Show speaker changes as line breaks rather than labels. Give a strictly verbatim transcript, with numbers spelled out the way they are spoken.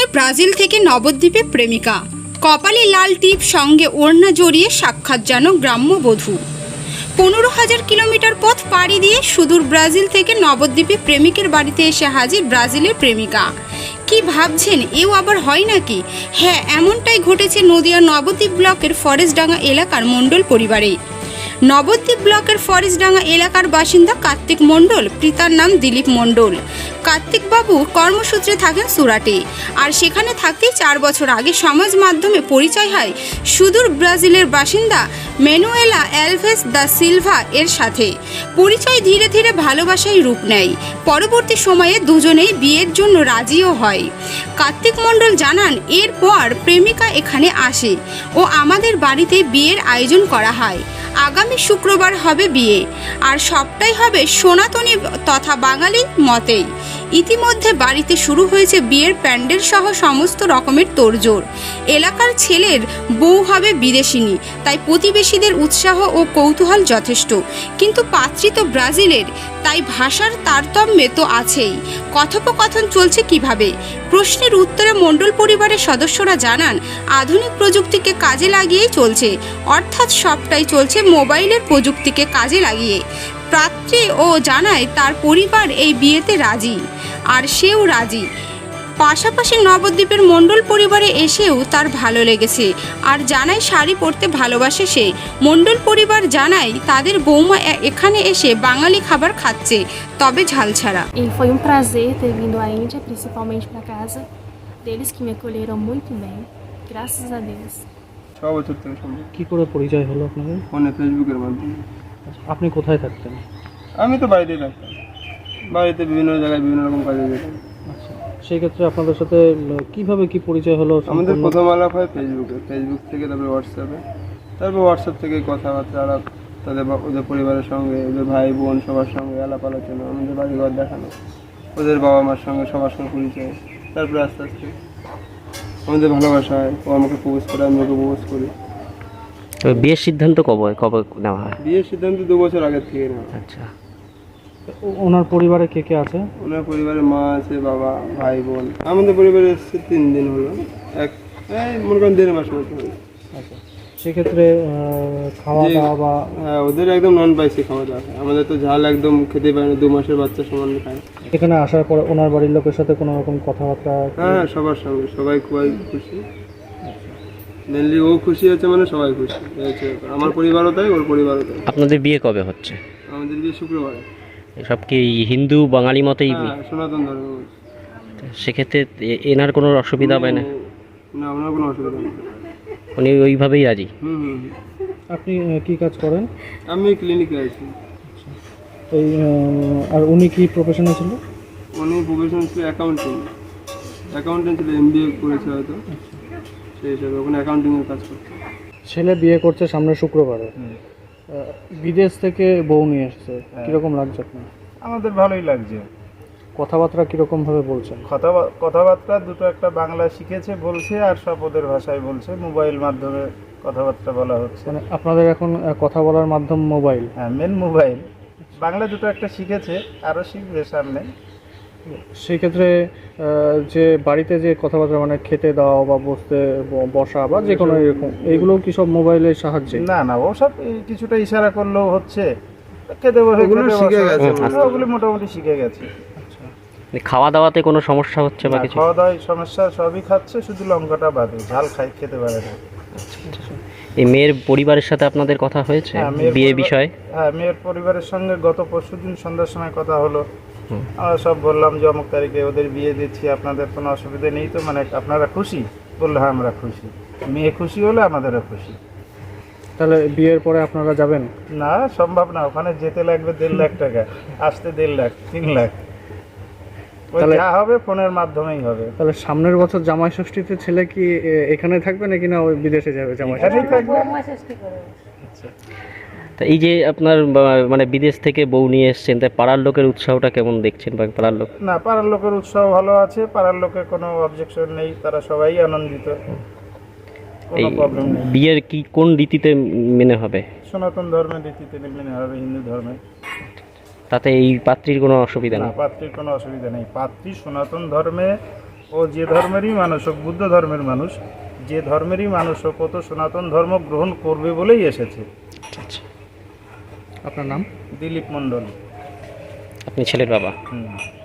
Brazil থেকে নবদ্বীপে প্রেমিকা, কপালে লাল টিপ, সঙ্গে ওড়না জড়িয়ে সাক্ষাৎ যেন গ্রাম্য বধূ। পনেরো হাজার কিলোমিটার পথ পাড়ি দিয়ে সুদূর ব্রাজিল থেকে নবদ্বীপে প্রেমিকের বাড়িতে এসে হাজির ব্রাজিলের প্রেমিকা। কি ভাবছেন, এও আবার হয় নাকি? হ্যাঁ, এমনটাই ঘটেছে নদিয়ার নবদ্বীপ ব্লকের ফরেস্টডাঙ্গা এলাকার মণ্ডল পরিবারে। নবদ্বীপ ব্লকের ফরেস্টডাঙ্গা এলাকার বাসিন্দা কার্তিক মণ্ডল, পিতার নাম দিলীপ মণ্ডল। কার্তিকবাবু কর্মসূত্রে থাকেন সুরাটে, আর সেখানে থাকতেই চার বছর আগে সমাজ মাধ্যমে পরিচয় হয় সুদূর ব্রাজিলের বাসিন্দা ম্যানুয়েলা অ্যালভেস দা সিলভা এর সাথে। পরিচয় ধীরে ধীরে ভালোবাসায় রূপ নেয়। পরবর্তী সময়ে দুজনেই বিয়ের জন্য রাজিও হয়। কার্তিক মণ্ডল জানান, এরপর প্রেমিকা এখানে আসে ও আমাদের বাড়িতে বিয়ের আয়োজন করা হয়। আগামী শুক্রবার হবে বিয়ে, আর সবটাই হবে সনাতনী তথা বাঙালি মতেই। ইতিমধ্যে বাড়িতে শুরু হয়েছে বিয়ের প্যান্ডেল সহ সমস্ত রকমের তোড়জোড়। এলাকার ছেলের বউ হবে বিদেশিনী, তাই প্রতিবেশীদের উৎসাহ ও কৌতূহল যথেষ্ট। কিন্তু পাত্রী তো ব্রাজিলের, তাই ভাষার তারতম্যে তো আছেই। কথোপকথন চলছে কিভাবে? প্রশ্নের উত্তরে মণ্ডল পরিবারের সদস্যরা জানান, আধুনিক প্রযুক্তিকে কাজে লাগিয়েই চলছে, অর্থাৎ সবটাই চলছে মোবাইলের প্রযুক্তিকে কাজে লাগিয়ে। পাত্রী ও জানায় তার পরিবার এই বিয়েতে রাজি, আর সেও রাজি। পাশাপাশি নবদ্বীপের মণ্ডল পরিবারে এসেও তার ভালো লেগেছে, আর জানায় শাড়ি পরতে ভালোবাসে সে। মণ্ডল পরিবার জানায় তাদের বৌমা এখানে এসে বাঙালি খাবার খাচ্ছে, তবে ঝাল ছাড়া।
E foi um prazer ter vindo à Índia, principalmente para casa deles, que me acolheram muito bem, graças a Deus.
ছ বছর থেকে সম্ভব।
কি করে পরিচয় হলো আপনাদের?
ফোনে, ফেসবুকের মাধ্যমে।
আপনি কোথায় থাকতেন?
আমি তো বাড়িতেই থাকতাম, বাড়িতে বিভিন্ন জায়গায় বিভিন্ন রকম কাজে যেতাম।
আচ্ছা, সেই ক্ষেত্রে আপনাদের সাথে কিভাবে কি পরিচয় হলো?
আমাদের প্রথম আলাপ হয় ফেসবুকে, ফেসবুক থেকে তারপরে হোয়াটসঅ্যাপে, তারপর হোয়াটসঅ্যাপ থেকে কথাবার্তা আলাপ, তাদের ওদের পরিবারের সঙ্গে, ওদের ভাই বোন সবার সঙ্গে আলাপ আলোচনা, আমাদের বাড়িঘর দেখানো, ওদের বাবা মার সঙ্গে সবার সঙ্গে পরিচয়। তারপরে আস্তে আস্তে আমাদের ভালোবাসা হয়, ও আমাকে প্রপোজ করে, আমি ওকে প্রপোজ করি।
বিয়ের সিদ্ধান্ত কবে কবে নেওয়া হয়?
বিয়ের সিদ্ধান্ত দু বছর আগের থেকে নেওয়া।
আচ্ছা,
ওনার পরিবারে কে কে আছে?
ওনার পরিবারে মা আছে, বাবা, ভাই বোন। আমাদের পরিবারে এসছে তিন দিন হলো, এক এই মনে করেন দেড় মাস মতো হলো।
আচ্ছা, সেক্ষেত্রে খাওয়া দাওয়া বা
হ্যাঁ, ওদের একদম নন স্পাইসি খাওয়া দাওয়া হয়, আমাদের তো ঝাল একদম খেতে পারে না, দু মাসের বাচ্চা সমান খায়।
এখানে আসার পর ওনার বাড়ির লোকের সাথে কোনো রকম কথাবার্তা?
হ্যাঁ, সবার সঙ্গে, সবাই খুবই খুশি। মেনলি ও খুশি হচ্ছে মানে সবাই খুশি হয়েছে, আমার পরিবারও তাই, ওর পরিবারও তাই।
আপনাদের বিয়ে কবে হচ্ছে?
আমাদের বিয়ে শুক্রবারে।
সব কি হিন্দু বাঙালি মতেই?
হ্যাঁ, সনাতন ধর্ম।
সেক্ষেত্রে এ- এনার কোনো অসুবিধা হবে না?
না, ওনার কোনো অসুবিধা নেই।
উনি ওইভাবেই রাজি?
হুম হুম হুম।
আপনি আহ, কি কাজ করেন?
আমি ক্লিনিকে আছি।
এই আহ, আর উনি কি প্রফেশনে ছিল?
উনি প্রফেশন ছিল অ্যাকাউন্টিং, অ্যাকাউন্টেন্ট ছিল, এম বি এ করেছে হয়তো, সেই হিসাবে ওখানে অ্যাকাউন্টিংয়ের কাজ করছে।
ছেলে বিয়ে করছে সামনে শুক্রবারে, আহ, বিদেশ থেকে বউ নিয়ে এসছে, কিরকম লাগছে আপনার?
আমাদের ভালোই লাগছে।
কথাবার্তা কিরকম ভাবে বলছেন?
কথা কথাবার্তা দুটো একটা বাংলা শিখেছে বলছে, আর সব ওদের ভাষায় বলছে, মোবাইল মাধ্যমে কথাবার্তা বলা হচ্ছে।
মানে আপনাদের এখন আহ, কথা বলার মাধ্যম মোবাইল?
হ্যাঁ, মেন মোবাইল। বাংলা দুটো একটা শিখেছে, আরও শিখবে সামনে।
সেই ক্ষেত্রে আহ, যে বাড়িতে যে কথাবার্তা মানে খেতে দেওয়া বা বসতে ব- বসা বা যে কোনো এরকম, এইগুলো কি সব মোবাইলের সাহায্যে?
না না, ওসব এই কিছুটা ইশারা করলেও হচ্ছে, খেতে বসে
ওগুলো
খেতে
শিখে
বসা।
গেছে
হ্যাঁ, ওগুলো মোটামুটি শিখে গেছে।
মানে খাওয়া দাওয়াতে কোনো সমস্যা হচ্ছে বা
না,
কিছু?
খাওয়া দাওয়ায় সমস্যা সবই খাচ্ছে, শুধু লঙ্কাটা বাদে, ঝাল খাই খেতে পারে না।
এই মেয়ের পরিবারের সাথে আপনাদের কথা হয়েছে
হ্যাঁ, মেয়ের
বিয়ে
পরিবার-
বিষয়ে?
হ্যাঁ, মেয়ের পরিবারের সঙ্গে গত পরশুদিন সন্ধ্যার সময় কথা হলো। আমরা সব বললাম যে অমুক তারিখে ওদের বিয়ে দিচ্ছি, আপনাদের কোনো অসুবিধা নেই তো? মানে আপনারা খুশি? বললো হ্যাঁ, আমরা খুশি। মেয়ে খুশি হলে আমাদেরও খুশি।
তাহলে বিয়ের পরে আপনারা যাবেন?
না, সম্ভব না, ওখানে যেতে লাগবে দেড় লাখ টাকা, আসতে দেড় লাখ, তিন লাখ। ওই
তাহলে-
যা হবে ফোনের মাধ্যমেই হবে।
তাহলে সামনের বছর জামাই ষষ্ঠীতে ছেলে কি এ, এখানে থাকবে নাকি না ওই বিদেশে যাবে জামাই
এখানেই
ষষ্ঠী?
থাকবে।
তা এই যে আপনার বা- মানে বিদেশ থেকে বউ নিয়ে এসছেন, তাই পাড়ার লোকের উৎসাহটা কেমন দেখছেন? বা পাড়ার লোক?
না, পাড়ার লোকের উৎসাহ ভালো আছে, পাড়ার লোকের কোনো অবজেকশন নেই, তারা সবাই আনন্দিত,
এই
কোনো প্রবলেম নেই।
বিয়ের কি কোন রীতিতে মেনে হবে?
সনাতন ধর্মের রীতিতে মেনে হবে, হিন্দু ধর্মে।
তাতে এই পাত্রীর কোনো অসুবিধা
না,
নেই?
পাত্রীর কোনো অসুবিধা নেই। পাত্রী সনাতন ধর্মে ও যে ধর্মেরই মানুষ হোক, বুদ্ধ ধর্মের মানুষ, যে ধর্মেরই মানুষ হোক, ও তো সনাতন ধর্ম গ্রহণ করবে বলেই এসেছে।
আচ্ছা আচ্ছা।
আপনার নাম?
দিলীপ মণ্ডল।
আপনি ছেলের বাবা?
হুম।